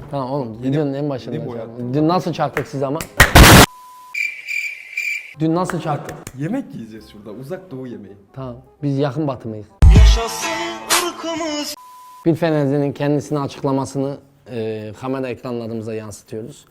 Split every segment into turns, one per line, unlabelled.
Tamam oğlum, videonun en başında. Dün nasıl çaktık siz ama? Dün nasıl çaktık?
Yemek yiyeceğiz şurada, uzak doğu yemeği.
Tamam, biz yakın batımıyız.
Yaşasın ırkımız.
Bir Fenerli'nin kendisini açıklamasını kamera ekranlarımıza yansıtıyoruz.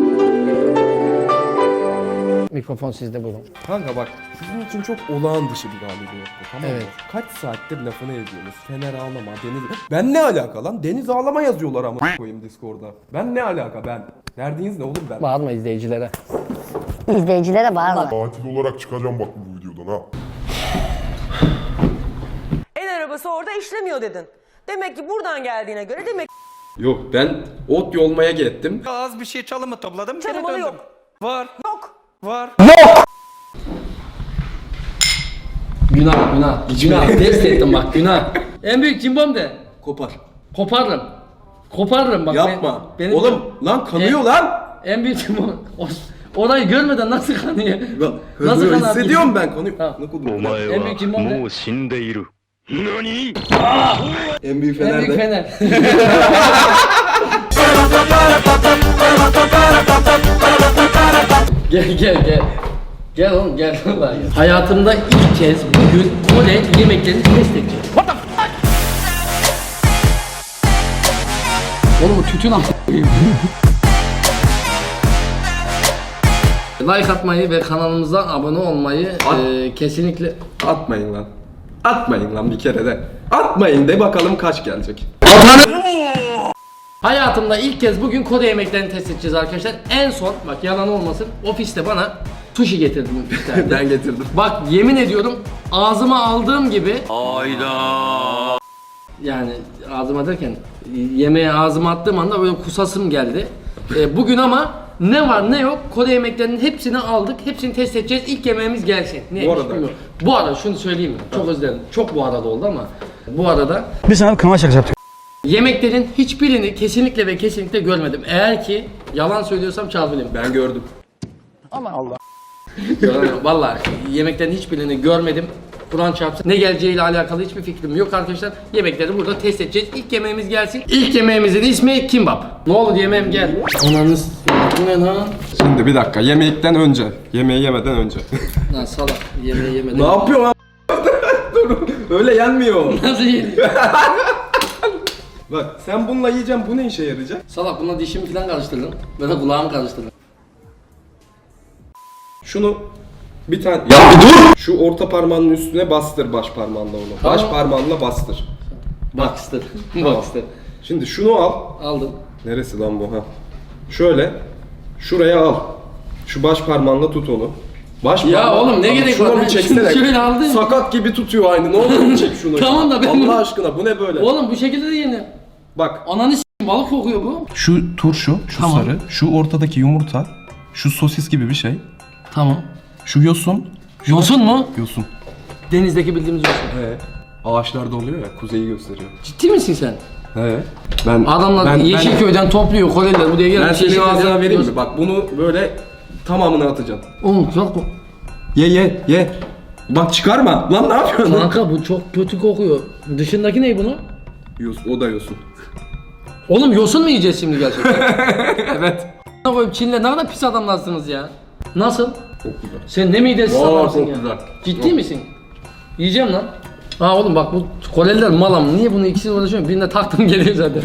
Mikrofon sizde, buyurun.
Kanka bak, sizin için çok olağan dışı bir galibiyet bu, tamam mı?
Evet.
Kaç saattir lafını ediyorsunuz. Fener ağlama, Deniz... Ben ne alaka lan? Deniz ağlama yazıyorlar ama koyayım Discord'da. Ben ne alaka ben? Neredeyiniz ne oğlum ben?
Bağırma izleyicilere.
İzleyicilere bağırma.
Katil olarak çıkacağım bak bu videodan ha.
El arabası orada işlemiyor dedin. Demek ki buradan geldiğine göre demek
Yok, ben ot yolmaya gittim.
Az bir şey çalımı topladım. geri
çalımalı
döndüm.
yok.
Var.
Yok.
Var.
Günah, günah. Günah, test ettim bak, günah. En büyük cimbom de.
Kopar.
Koparırım. Koparırım bak.
Yapma.
Benim
Oğlum lan kanıyor lan.
En büyük cimbom. Orayı görmeden nasıl kanıyor?
Nasıl
kanıyor?
hissediyorum ben kanıyor.
Tamam.
Ne kodum?
お前
En büyük cimbom
は
de.
もう死んでいる。何
En büyük
En büyük
Fener'de.
Fener. Gel. Gel oğlum gel. Hayatımda ilk kez bugün Kore yemeklerini test edeceğim. What the fuck? Oğlum bu tütün am. Like atmayı ve kanalımıza abone olmayı kesinlikle...
Atmayın lan. Atmayın lan bir kere de. Atmayın de bakalım kaç gelecek.
Hayatımda ilk kez bugün Kore yemeklerini test edeceğiz arkadaşlar. En son bak yalan olmasın ofiste bana sushi getirdim.
Ben getirdim.
Bak yemin ediyorum ağzıma aldığım gibi yani ağzıma derken yemeğe ağzıma attığım anda böyle kusasım geldi. Bugün ama ne var ne yok Kore yemeklerinin hepsini aldık. Hepsini test edeceğiz. İlk yemeğimiz gelsin. Neymiş
arada.
bilmiyorum. Bu arada şunu söyleyeyim mi? Çok özür dilerim. Çok bu arada oldu ama bu arada
Biz sana bir kanal şakası yaptık.
yemeklerin hiçbirini kesinlikle ve kesinlikle görmedim. Eğer ki yalan söylüyorsam çal bileyim.
Ben gördüm.
Vallahi yemeklerin hiçbirini görmedim. Kur'an çarpsın. Ne geleceğiyle alakalı hiçbir fikrim yok arkadaşlar. Yemekleri burada test edeceğiz. İlk yemeğimiz gelsin. İlk yemeğimizin ismi kimbap. Ne olur yemeğim gel. Ananız ne lan?
Şimdi bir dakika yemekten önce. Yemeği yemeden önce.
Lan salak yemeği yemeden.
Ne yapıyorsun lan? Dur. Öyle yenmiyor.
Nasıl yedin?
Bak sen bununla yiyeceksin, bu ne işe yarayacak?
Salak bununla dişimi falan karıştırdın. Böyle kulağımı karıştırdın.
Şunu bir tane... Ya bir dur! Şu orta parmağının üstüne bastır baş parmağınla onu.
Tamam.
Baş parmağınla bastır.
Baxter.
Tamam.
Baxter.
Şimdi şunu al.
Aldım.
Neresi lan bu ha? Şöyle. Şuraya al. Şu baş parmağınla tut onu. Baş
Ya
parmağınla-
oğlum ne
Ama
gerek
şuna
var?
bir
Ben
çeksene.
şöyle aldım.
Sakat gibi tutuyor aynı. Ne olur çek şunu.
Tamam da ben
Allah
bunu-
aşkına bu ne böyle?
Oğlum bu şekilde de yenir.
Bak.
Ananı s***, balık kokuyor bu.
Şu turşu, şu
Tamam.
sarı, şu ortadaki yumurta, şu sosis gibi bir şey.
Tamam.
Şu yosun.
Yosun mu?
Yosun.
Denizdeki bildiğimiz yosun.
He. Ağaçlarda oluyor ya, kuzeyi gösteriyor.
Ciddi misin sen?
He. Ben
Adamlar Yeşilköy'den topluyor Koreliler buraya gelip
ben senin
Yeşilköy'den
ağzına vereyim
yosun.
mi? Bak bunu böyle tamamını atacaksın.
Oğlum çok
Ye. Bak çıkarma. Lan ne yapıyorsun?
kanka bu çok kötü kokuyor. Dışındaki ne bunu?
O da yosun.
Oğlum yosun mu yiyeceğiz şimdi gerçekten?
Evet.
Ne koyup Çin'le ne kadar pis adamlarsınız ya. Nasıl?
Çok güzel.
Sen ne midesiz adamsın
çok
ya.
güzel.
Ciddi
Çok.
misin? Yiyeceğim lan. Ha oğlum bak bu Koreliler malam. Niye bunu ikisini uğraşıyorum? Birine taktım geliyor zaten.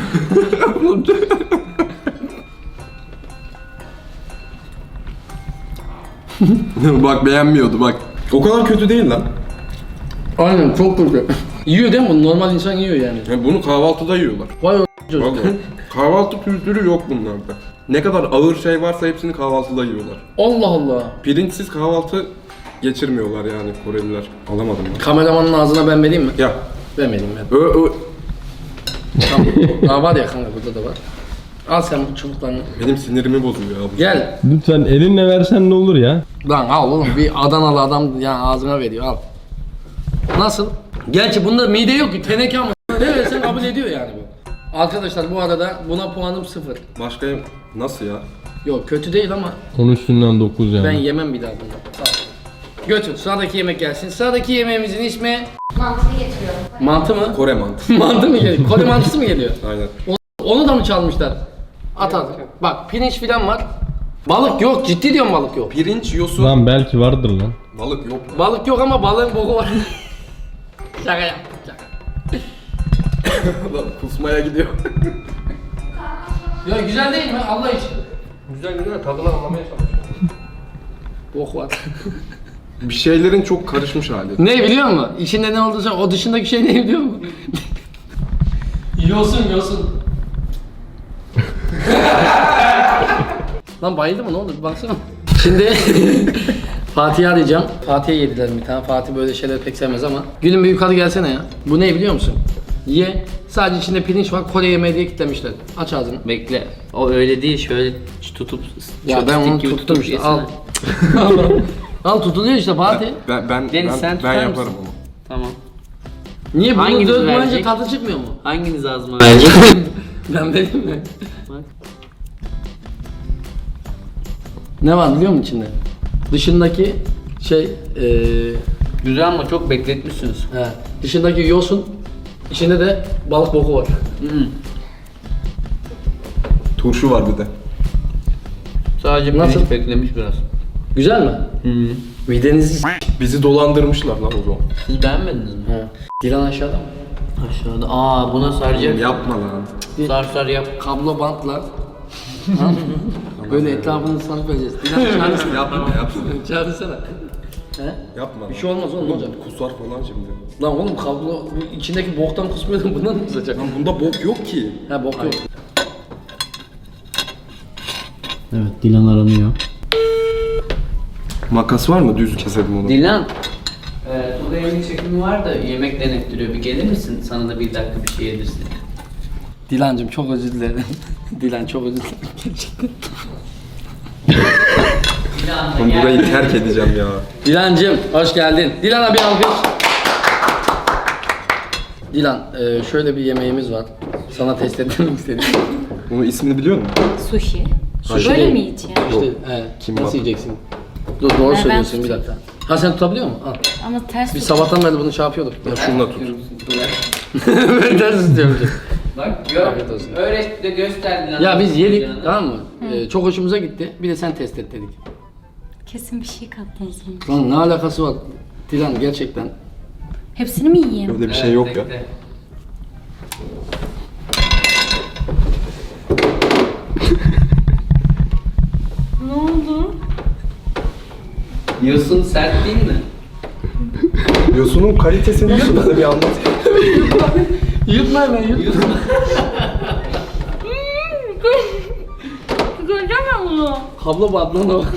Bak beğenmiyordu bak. O kadar kötü değil lan.
Aynen çok kötü. Yiyor değil mi bunu? Normal insan yiyor yani.
Yani bunu kahvaltıda yiyorlar.
Vay o çocuk.
Vallahi. Kahvaltı kültürü yok bunlarda. Ne kadar ağır şey varsa hepsini kahvaltıda yiyorlar.
Allah Allah.
Pirinçsiz kahvaltı geçirmiyorlar yani Koreliler. Alamadım ben.
Kameramanın ağzına ben vereyim mi?
Ya.
Vermedim ben. Tamam. Aa var ya kanka burada da var. Al sen bu çubuklarını.
Benim sinirimi bozuyor abi.
Gel.
Lütfen elinle versen ne olur ya?
Lan al oğlum bir Adanalı adam yani ağzına veriyor al. Nasıl? Gerçi bunda mide yok ki teneke ama ne versen kabul ediyor yani bu. Arkadaşlar bu arada buna puanım 0.
Başka nasıl ya?
Yok kötü değil ama
10 üstünden 9 yani.
ben yemem bir daha bunu. Sağ ol. Götür sıradaki yemek gelsin. Sıradaki yemeğimizin ismi
Mantıyı getiriyorum.
mantı mı?
Kore mantı.
Mantı mı geliyor? Kore mantısı mı geliyor?
Aynen.
Onu da mı çalmışlar? At at. Bak pirinç filan var. Balık yok, ciddi diyorum balık yok.
Pirinç, yosun.
Lan belki vardır lan.
Balık yok.
Balık yok ama balığın boku var. Şaka yaptım, şaka.
Lan kusmaya gidiyor.
Ya güzel değil mi Allah için?
Güzel güzel tadını anlamaya çalışıyorum.
Bok var.
Bir şeylerin çok karışmış hali.
Ne biliyor musun? İçinde ne olduğunu o dışındaki şey ne biliyor musun? yosun. Lan bayıldı mı ne oldu bir baksana. Şimdi Fatih'i arayacağım. Fatih'e yediler bir tane. Fatih böyle şeyler pek sevmez ama. Gülüm bir yukarı gelsene ya. Bu ne biliyor musun? Ye. Sadece içinde pirinç var. Kore yemeği diye kitlemişler. Aç ağzını.
Bekle. O öyle değil. Şöyle tutup
Ya ben onu
chopstick gibi
tuttum
tutup
işte. Al.
yesene.
Al tutuluyor işte Fatih.
Ben
Deniz, sen tutar
yaparım
mısın?
onu.
Tamam.
Niye bunu
Hanginiz
dökmeyince
verecek?
tadı çıkmıyor mu?
Hanginiz ağzıma verecek?
Ben vereyim mi?
Bak.
Ne var biliyor musun içinde? Dışındaki şey
Güzel ama çok bekletmişsiniz.
he, dışındaki yosun, içinde de balık boku var.
Turşu var bir de.
Sadece
Nasıl?
pirinç beklemiş biraz.
Güzel mi? Midenizi s-
Bizi dolandırmışlar lan o zaman.
Siz beğenmediniz mi?
He. Dilan aşağıda mı?
Aşağıda. Aa buna saracak.
Yapma lan.
Sar yap.
Kablo bantla. Ha? Böyle etrafını sarıp vereceğiz. Dilan çağırsana.
Yapma.
Çağırsana. He?
Yapma.
Bir şey olmaz oğlum ne olacak?
Kusar falan şimdi.
Lan oğlum kablo bu içindeki boktan kusmuyordun bundan mı kusacak?
Lan bunda bok yok ki.
Ha bok yok.
Evet Dilan aranıyor.
Makas var mı? Düz keselim onu.
Dilan. Burada yemek çekimi var da yemek denettiriyor. Bir gelir misin? Sana da bir dakika bir şey yedirsin.
Dilancım çok özür dilerim. Dilan çok özür dilerim gerçekten.
Dilan da
Ben
gel.
burayı terk edeceğim ya.
Dilancım hoş geldin. Dilan'a bir alkış. Dilan şöyle bir yemeğimiz var. Sana test etmek istedim.
Bunun ismini biliyor musun?
Sushi.
Sushi
Böyle
değil.
mi yiyeceğim?
İşte
Kim
nasıl
bak?
yiyeceksin? Dur doğru
Ben
söylüyorsun bir
tutayım.
dakika. Ha sen tutabiliyor musun? Al.
Ama ters
Biz
tut.
sabahtan beri bunu şey yapıyorduk.
Ya şununla tut.
Ben ters istiyorum.
Bak gör.
Afiyet olsun.
Öğret de göster Dilan.
Ya biz yedik
Yapacağını.
tamam mı? Çok hoşumuza gitti. Bir de sen test et dedik.
Kesin bir şey kattınız bunun.
Lan ne alakası var? Dilan gerçekten.
Hepsini mi yiyeyim?
Öyle bir şey yok ya.
bekle.
Ne oldu?
Yosun sert değil mi?
Yosunun kalitesini nasıl bana bir anlat.
Yutma hemen yutma.
Göreceğim ben bunu.
Kablo bandına da bak.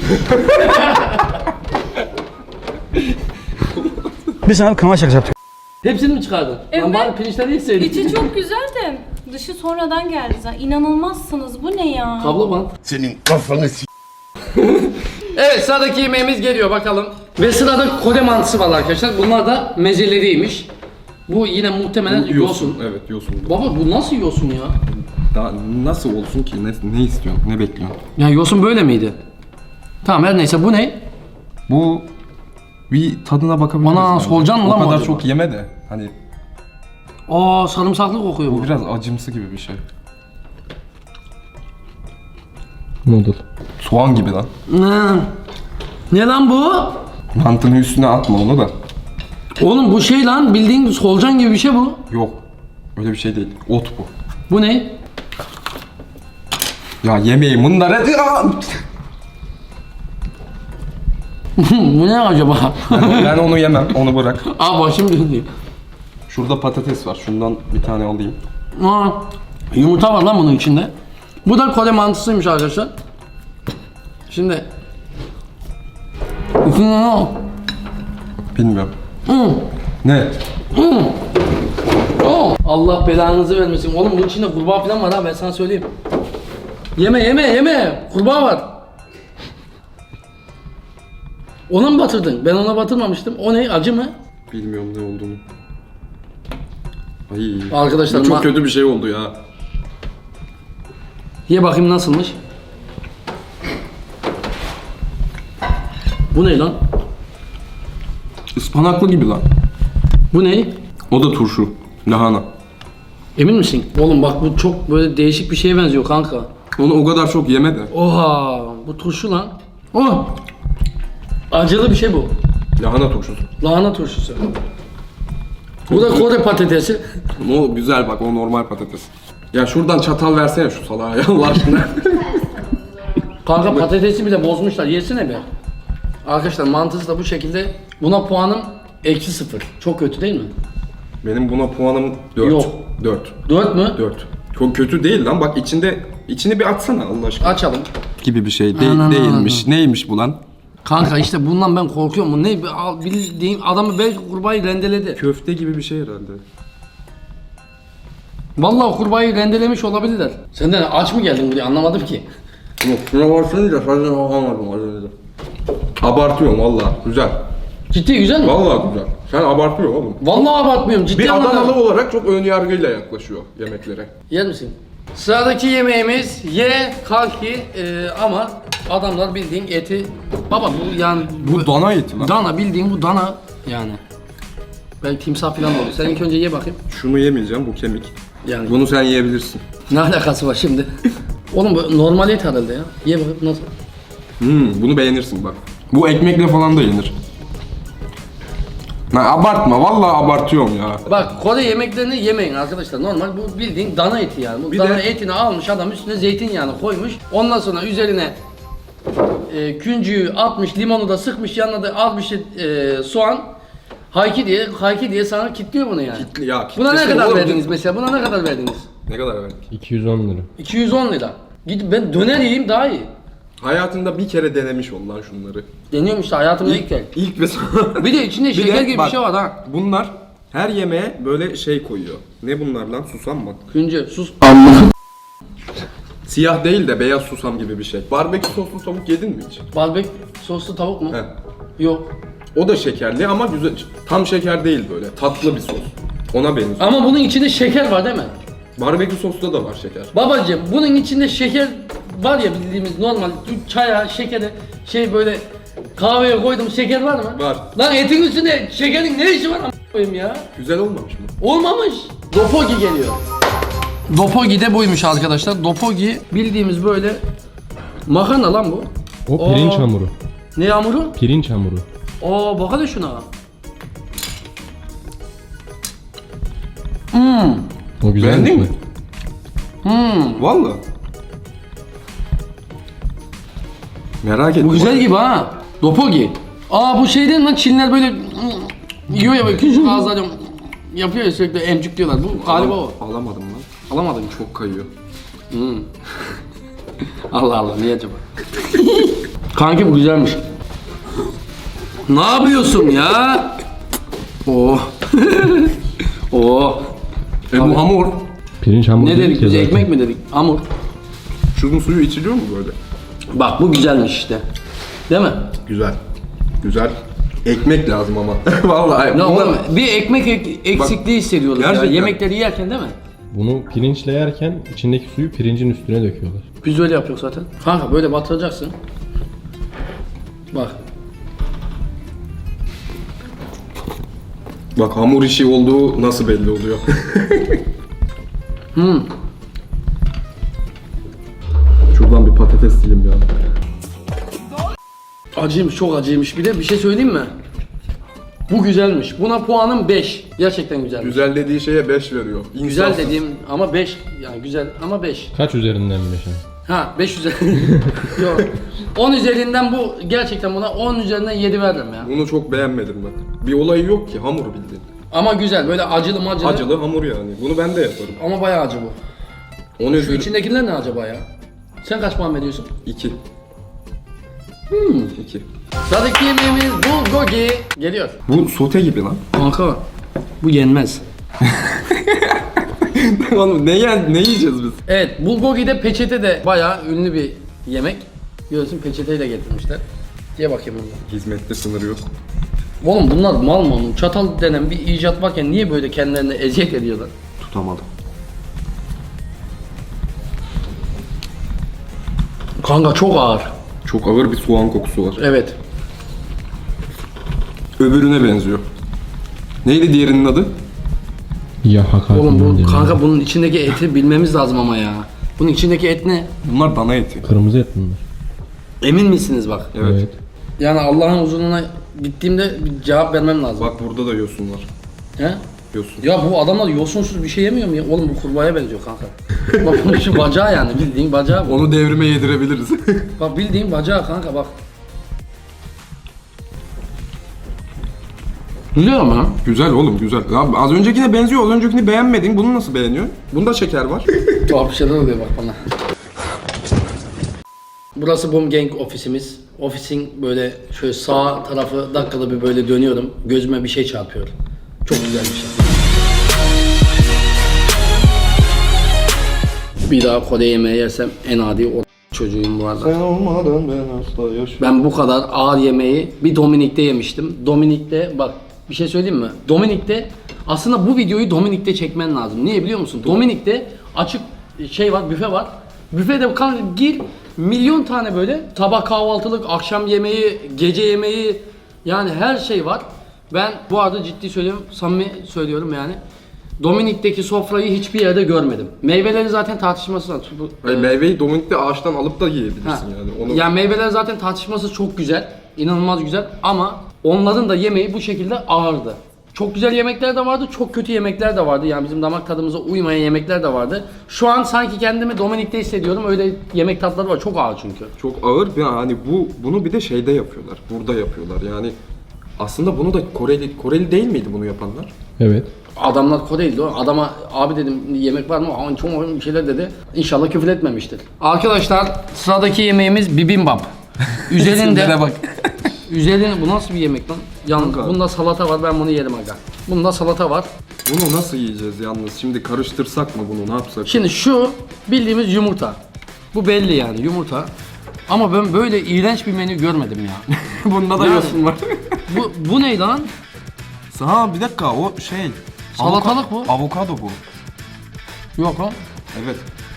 Bir sana kanal şakası yaptık.
Hepsini mi çıkardın? Lan
Evet.
bari pirinçleri yeseydin.
İçi çok güzel de dışı sonradan geldi zaten. İnanılmazsınız. Bu ne ya?
Kablo bant.
Senin kafanı s***.
Evet sıradaki yemeğimiz geliyor bakalım. Ve sırada Kore mantısı var arkadaşlar. Bunlar da mezeleriymiş. Bu yine muhtemelen yosun.
Evet yosun.
Baba bu nasıl yosun ya?
Daha nasıl olsun ki? Ne istiyorsun? Ne bekliyorsun?
Ya yosun böyle miydi? Tamam her neyse bu ne?
Bu bir tadına bakabiliriz.
Ana,
bence.
solucan mı lan
O
bu
kadar
acaba?
çok yeme de. Hani
Aa sarımsaklı kokuyor bu.
bu biraz acımsı gibi bir şey.
Noodle.
Soğan gibi lan.
Ne lan bu?
Mantının üstüne atma onu da.
Oğlum bu şey lan bildiğin solucan gibi bir şey bu.
Yok. Öyle bir şey değil. Ot bu.
Bu ne?
Ya yemeği bunları...
Bu ne acaba?
Ben onu yemem. Onu bırak.
Aa başım döndü.
Şurada patates var. Şundan bir tane alayım.
Aa, yumurta var lan bunun içinde. Bu da Kore mantısıymış arkadaşlar. Şimdi içinde ne o?
Bilmiyorum. Ne?
Oo, Allah belanızı vermesin. Oğlum bunun içinde kurbağa falan var ha ben sana söyleyeyim. Yeme. Kurbağa var. Ona mı batırdın? Ben ona batırmamıştım. O ne? Acı mı?
Bilmiyorum ne olduğunu. Ay.
Arkadaşlar
Bu çok
ma-
kötü bir şey oldu ya.
Ye bakayım nasılmış. Bu ne lan?
Ispanaklı gibi lan.
Bu ne?
O da turşu. Lahana.
Emin misin? Oğlum bak bu çok böyle değişik bir şeye benziyor kanka.
Onu o kadar çok yeme de.
Oha bu turşu lan. Oh. Acılı bir şey bu.
Lahana turşusu.
Lahana turşusu. Bu da Kore patatesi.
O güzel bak, o normal patates. Ya şuradan çatal versene şu salağa ya Allah aşkına.
Kanka patatesi bile bozmuşlar. Yesene be. Arkadaşlar mantısı da bu şekilde. Buna puanım -0. Çok kötü değil mi?
Benim buna puanım 4.
Yok.
4.
4 mü?
4. Çok kötü değil lan, bak içini bir açsana Allah aşkına.
Açalım.
Gibi bir şey
Anan,
değilmiş. Neymiş bu lan?
Kanka işte bundan ben korkuyorum. Bu ne? Bildiğin adamı belki kurbağayı rendeledi.
Köfte gibi bir şey herhalde.
Vallahi kurbağayı rendelemiş olabilirler. Sen de aç mı geldin buraya anlamadım ki.
Yok, şuna varsınca sadece alamadım az önce. Abartıyorum valla, güzel.
Ciddi güzel mi?
Valla güzel. Sen abartıyorsun oğlum.
Vallahi abartmıyorum. Ciddi
Bir
anlamda.
Adanalı olarak çok önyargıyla yaklaşıyor yemeklere.
Yer misin? Sıradaki yemeğimiz kalki ama adamlar bildiğin eti. Baba bu yani
Bu dana eti lan.
dana bildiğin bu dana yani. Belki timsah falan da olur. Sen ilk önce ye bakayım.
Şunu yemeyeceğim, bu kemik.
Yani
Bunu sen yiyebilirsin.
ne alakası var şimdi? Oğlum bu normal et herhalde ya. Ye bakayım nasıl?
Bunu beğenirsin bak. Bu ekmekle falan da yenir. Lan abartma, vallahi abartıyorum ya.
Bak Kore yemeklerini yemeyin arkadaşlar. Normal bu bildiğin dana eti yani. Bu
Bir
dana
de-
etini almış adam üstüne zeytinyağını koymuş. Ondan sonra üzerine küncüğü atmış, limonu da sıkmış, yanına da az bir şey soğan. Hayki diye sana kitliyor bunu yani.
Ya
Buna ne
kitlesene
kadar
oğlum.
verdiniz mesela? Buna ne kadar verdiniz?
Ne kadar verdik?
210 lira.
210 lira. Gidip ben döner yiyeyim daha iyi.
Hayatında bir kere denemiş ol lan şunları.
Deniyorum işte hayatımda ilk kez.
İlk ve son.
Bir de içinde şeker
de
gibi bir
bak,
şey var ha.
Bunlar her yemeğe böyle şey koyuyor. Ne bunlar lan? Susam mı?
Küncü sus.
Siyah değil de beyaz susam gibi bir şey. Barbekü soslu tavuk yedin mi hiç?
Barbekü soslu tavuk mu?
He.
Yok.
O da şekerli ama güzel. Tam şeker değil böyle. Tatlı bir sos. Ona benziyor.
Ama bunun içinde şeker var değil mi?
Barbekü soslu da var şeker.
Babacığım bunun içinde şeker var ya bildiğimiz normal çaya, şekere, şey böyle kahveye koydum şeker var mı?
Var.
Lan etin üstünde şekerin ne işi var a**ayım ya?
Güzel olmamış mı?
Olmamış. Dopogi geliyor. Dopogi de buymuş arkadaşlar. Dopogi bildiğimiz böyle makarna lan bu.
O pirinç
Aa.
hamuru.
Ne hamuru?
Pirinç hamuru.
Aa bak hadi şuna.
O güzel
Beğendin
mi?
mi? Valla. Merak ettim.
Bu güzel gibi ha. Dopogi. Aa bu şey değil mi lan Çinliler böyle yiyor ya böyle küçük ağızlarla yapıyor ya sürekli emcik diyorlar. Bu galiba o.
Alamadım lan.
Alamadın mı?
Çok kayıyor.
Allah Allah niye acaba? Kanki bu güzelmiş. Ne yapıyorsun ya? Oh. Oh.
Bu hamur.
Pirinç hamuru
Ne
değil
dedik
ki
biz
zaten.
ekmek mi dedik? Hamur.
Şunun suyu içiliyor mu böyle?
Bak bu güzelmiş işte. Değil mi?
Güzel. Güzel. Ekmek lazım ama. Vallahi.
Ne
bunlar-
oğlum bir ekmek eksikliği hissediyoruz ya
gerçekten.
yemekleri yerken değil mi?
Bunu pirinçle yerken içindeki suyu pirincin üstüne döküyorlar.
Biz öyle yapıyoruz zaten. Kanka böyle batıracaksın. Bak.
Bak hamur işi olduğu nasıl belli oluyor. Şuradan bir patates yiyeyim ya.
Acıymış çok acıymış bir de bir şey söyleyeyim mi? Bu güzelmiş. Buna puanım 5. Gerçekten güzelmiş.
Güzel dediği şeye 5 veriyor.
Güzel
İnsafsız.
dediğim ama 5 yani güzel ama 5.
Kaç üzerinden 5'e?
Ha 5 üzerinden. Yok. 10 üzerinden bu gerçekten buna 10 üzerinden 7 veririm ya.
Bunu çok beğenmedim ben. Bir olayı yok ki, hamur bildiğin.
Ama güzel böyle acılı macılı.
Acılı hamur yani. Bunu ben de yaparım.
Ama bayağı acı bu.
Onu
Şu içindekiler ne acaba ya? Sen kaç puan veriyorsun?
2. 2.
Sıradaki yemeğimiz bulgogi. Geliyor.
Bu sote gibi lan.
Kanka bu yenmez.
Oğlum ne yiyeceğiz biz?
Evet bulgogi de peçete de bayağı ünlü bir yemek. Görüyorsun peçeteyi de getirmişler. Diye bakayım bundan.
Hizmette sınır yok.
Oğlum bunlar mal mı oğlum? Çatal denen bir icat varken niye böyle kendilerine eziyet ediyorlar?
Tutamadım.
Kanka çok ağır.
Çok ağır bir soğan kokusu var.
Evet.
Öbürüne benziyor. Neydi diğerinin adı?
Ya hakaret.
Oğlum bu kanka bunun içindeki eti bilmemiz lazım ama ya. Bunun içindeki et ne?
Bunlar dana eti.
Kırmızı et bunlar.
Emin misiniz bak?
Evet.
Yani Allah'ın huzuruna gittiğimde bir cevap vermem lazım.
Bak burada da yosun var.
He?
Yosun.
Ya bu adamlar yosunsuz bir şey yemiyor mu ya? Oğlum bu kurbağaya benziyor kanka. Bak bunun şu bacağı yani bildiğin bacağı bu.
Onu devrime yedirebiliriz.
Bak bildiğin bacağı kanka bak. Güzel ama.
Güzel oğlum güzel. Abi az öncekine benziyor. Az öncekini beğenmedin. Bunu nasıl beğeniyorsun? Bunda şeker var.
Tuhaf bir şeyler oluyor bak bana. Burası Boom Gang ofisimiz. Ofisin böyle şöyle sağ tarafı dakikada bir böyle dönüyorum. Gözüme bir şey çarpıyor. Çok güzel bir şey. Bir daha Kore yemeği yersem en adi o çocuğum bu arada.
Sen olmadan ben asla yaşamam.
Ben bu kadar ağır yemeği bir Dominik'te yemiştim. Dominik'te bak bir şey söyleyeyim mi? Dominik'te aslında bu videoyu Dominik'te çekmen lazım. Niye biliyor musun? Dominik'te açık şey var, büfe var. Büfede kanka gir milyon tane böyle sabah kahvaltılık, akşam yemeği, gece yemeği yani her şey var. Ben bu arada ciddi söylüyorum, samimi söylüyorum yani. Dominik'teki sofrayı hiçbir yerde görmedim. Meyveleri zaten tartışmasız.
Meyveyi Dominik'te ağaçtan alıp da yiyebilirsin
Ha.
yani. Onu...
Yani meyveler zaten tartışması çok güzel. İnanılmaz güzel ama onların da yemeği bu şekilde ağırdı. Çok güzel yemekler de vardı, çok kötü yemekler de vardı. Yani bizim damak tadımıza uymayan yemekler de vardı. Şu an sanki kendimi Dominik'te hissediyorum. Öyle yemek tatları var. Çok ağır çünkü.
Çok ağır ve hani bunu bir de şeyde yapıyorlar. Burada yapıyorlar. Yani aslında bunu da Koreli değil miydi bunu yapanlar?
Evet.
Adamlar Koreliydi o. Adama abi dedim yemek var mı? Aman çok bir şeyler dedi. İnşallah küfür etmemiştir. Arkadaşlar sıradaki yemeğimiz bibimbap. Üzerinde
bak.
üzerinde bu nasıl bir yemek lan? Yalnız
Kanka.
bunda salata var. Ben bunu yerim aga. Bunda salata var.
Bunu nasıl yiyeceğiz yalnız? Şimdi karıştırsak mı bunu? Ne yapsak?
Şimdi şu bildiğimiz yumurta. Bu belli yani yumurta. Ama ben böyle iğrenç bir menü görmedim ya.
Bunda da
Yani-
yosun var.
bu ne lan?
Ha bir dakika o şey.
Salatalık bu.
Avokado bu.
Yok lan.
Evet.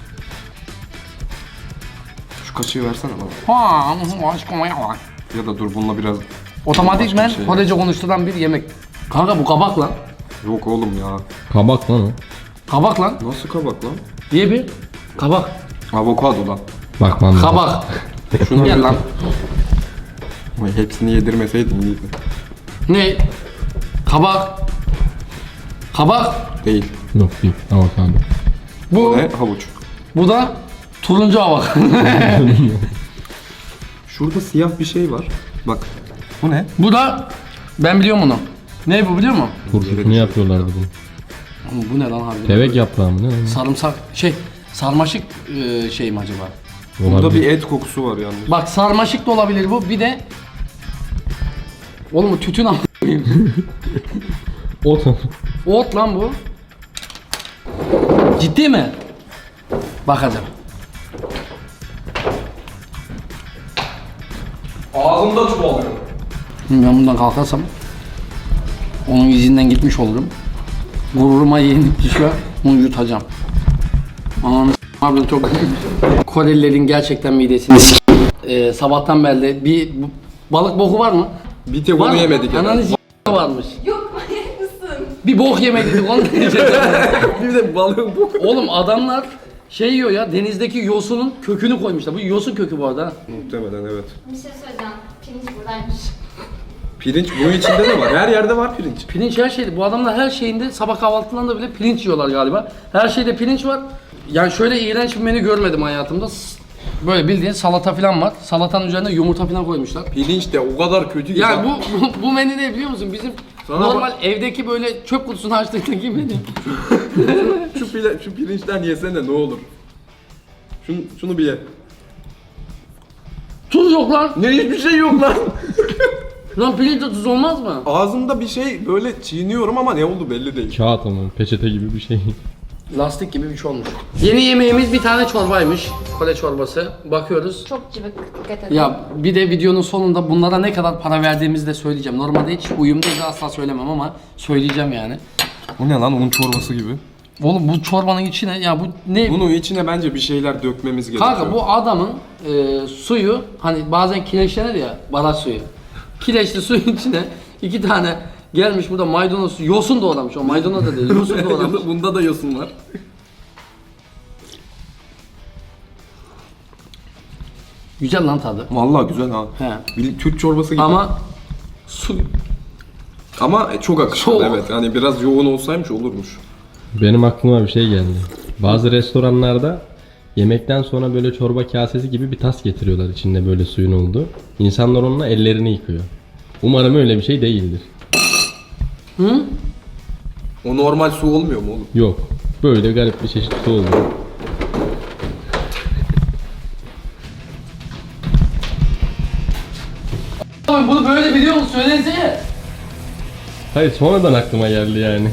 Şu kaşığı versene bana.
Ha, aşkım ya.
Ya da dur bununla biraz...
Otomatikmen
Başka bir şey.
Korece konuşturan bir yemek. Kanka bu kabak lan.
Yok oğlum ya.
Kabak lan o.
Kabak lan.
Nasıl kabak lan?
Diye bir kabak.
Avokado lan.
Bak lan.
Kabak.
Şunu
Gel lan.
Vay, hepsini yedirmeseydin iyiydi.
Ne? Kabak. Kabak.
Değil.
Yok değil. Avokado.
Bu.
Ne? Havuç.
Bu da turuncu kabak.
Şurada siyah bir şey var. Bak. Bu ne?
Bu da ben biliyorum bunu. Ne bu biliyor musun?
Turşusunu yapıyorlardı bunu.
Oğlum bu ne lan harbiden?
Devek yaprağı mı ne lan?
Sarımsak sarmaşık şey mi acaba?
Burada
Olabilir.
bir et kokusu var yalnız.
Bak sarmaşık da olabilir bu. Bir de oğlum bu tütün ama.
Ot.
Ot lan bu. Ciddi mi? Bakacağım.
Ağzımda çuvalıyor.
Ben bundan kalkarsam onun izinden gitmiş olurum. Gururuma yenik düşüyor. Bunu yutacağım. Anam harbiden çok Korelilerin gerçekten midesini sabahtan beri de balık boku var mı?
Bir tek
Var
onu
mı?
yemedik.
Ananı varmış. Yok manyak mısın? Bir bok yemedik onu diyeceğim.
Bir de balığın bu.
Oğlum adamlar şey yiyor ya denizdeki yosunun kökünü koymuşlar. Bu yosun kökü bu arada.
Muhtemelen evet.
Bir şey söyleyeceğim. Pirinç buradaymış.
Pirinç bunun içinde de var. Her yerde var pirinç.
Pirinç her şeyde. Bu adamlar her şeyinde sabah kahvaltılarında bile pirinç yiyorlar galiba. Her şeyde pirinç var. Yani şöyle iğrenç bir menü görmedim hayatımda. Böyle bildiğin salata falan var. Salatanın üzerine yumurta falan koymuşlar.
Pirinç de o kadar kötü ki.
Yani bu menü ne biliyor musun? Bizim
Sana
normal evdeki böyle çöp kutusunu açtığındaki menü.
şu pirinçten yesene ne olur. Şunu bir ye.
Tuz yok lan.
Ne hiçbir şey yok lan.
Lan pirinçte tuz olmaz mı?
Ağzımda bir şey böyle çiğniyorum ama ne oldu belli değil.
Kağıt ama peçete gibi bir şey.
Lastik gibi bir şey olmuş. Yeni yemeğimiz bir tane çorbaymış. Kore çorbası. Bakıyoruz.
Çok cıvık, dikkat edin.
Ya bir de videonun sonunda bunlara ne kadar para verdiğimizi de söyleyeceğim. Normalde hiç uyumdayız asla söylemem ama söyleyeceğim yani.
Bu ne lan onun çorbası gibi.
Oğlum bu çorbanın içine ya bu ne?
Bunun içine bence bir şeyler dökmemiz gerekiyor.
Kanka bu adamın suyu hani bazen kireçlenir ya baraj suyu. Kireçli suyun içine 2 tane gelmiş burada maydanoz yosun doğramış. O maydanoz da değil yosun doğramış.
Bunda da yosun var.
Güzel lan tadı.
Vallahi güzel ha.
He.
Bir Türk çorbası gibi.
Ama su
Ama çok akışkan
Çok.
evet. Hani biraz yoğun olsaymış olurmuş.
Benim aklıma bir şey geldi. Bazı restoranlarda yemekten sonra böyle çorba kasesi gibi bir tas getiriyorlar içinde böyle suyun olduğu. İnsanlar onunla ellerini yıkıyor. Umarım öyle bir şey değildir.
O normal su olmuyor mu oğlum?
Yok. Böyle garip bir çeşit su oldu.
Abi bunu böyle biliyor musun? Söylesene.
Hayır sonradan aklıma geldi yani.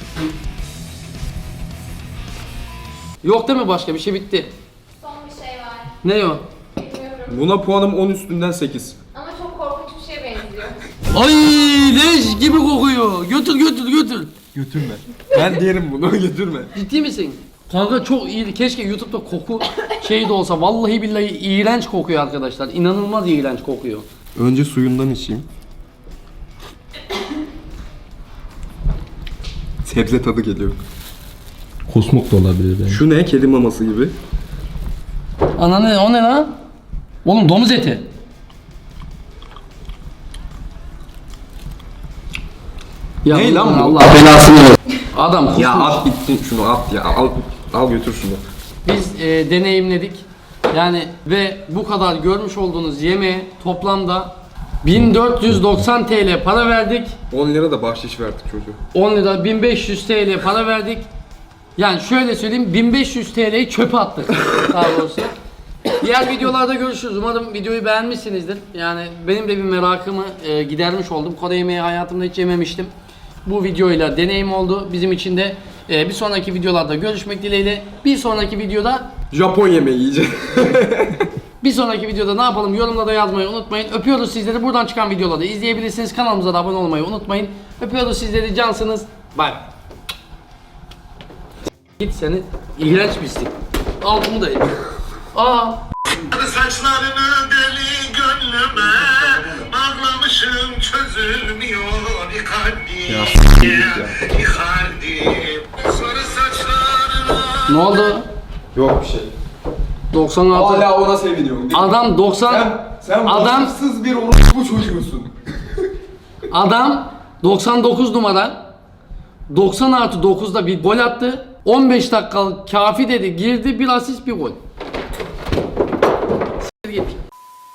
Yok değil mi başka bir şey bitti.
Son bir şey var.
Ne o?
Bilmiyorum.
Buna puanım 10 üstünden 8.
Ama çok korkunç bir şeye benziyor.
Ay leş gibi kokuyor. Götür götür götür.
Götürme. Ben derim bunu götürme.
Ciddi misin? Kanka çok iyi. Keşke YouTube'da koku şey de olsa. Vallahi billahi iğrenç kokuyor arkadaşlar. İnanılmaz iğrenç kokuyor.
Önce suyundan içeyim. Sebze tadı geliyor.
Kusmuk da olabilir bence.
Şu ne? Kedi maması gibi.
Ananı o ne lan? Oğlum domuz eti. Ya
Ne lan bu?
Allah belasını versin. Adam kusmuş.
Ya at gitsin şunu at ya. Al götür şunu.
Biz deneyimledik. Yani ve bu kadar görmüş olduğunuz yemeğe toplamda 1490 TL para verdik.
10 lira da bahşiş verdik çocuğa.
10 lira 1500 TL para verdik. Yani şöyle söyleyeyim 1500 TL'yi çöpe attık daha doğrusu. Diğer videolarda görüşürüz. Umarım videoyu beğenmişsinizdir. Yani benim de bir merakımı gidermiş oldum. Kore yemeği hayatımda hiç yememiştim. Bu videoyla deneyim oldu. Bizim için de bir sonraki videolarda görüşmek dileğiyle. Bir sonraki videoda
Japon yemeği yiyeceğiz.
Bir sonraki videoda ne yapalım yorumlarda yazmayı unutmayın. Öpüyoruz sizleri. Buradan çıkan videoları izleyebilirsiniz. Kanalımıza da abone olmayı unutmayın. Öpüyoruz sizleri. Cansınız. Bay bay. Git seni iğrenç pislik. Al bunu da ye. Aa.
Saçlarını deli gönlüme bağlamışım çözülmüyor Icardi. Icardi. Sarı saçlarına.
Ne oldu?
Yok bir şey.
96.
Hala ona seviniyorum.
Adam 90.
Sen
Adam-
vasıfsız bir orospu çocuğusun.
Adam 99 numara 90+9'da bir gol attı. 15 dakikalık kafi dedi. Girdi bir asist bir gol.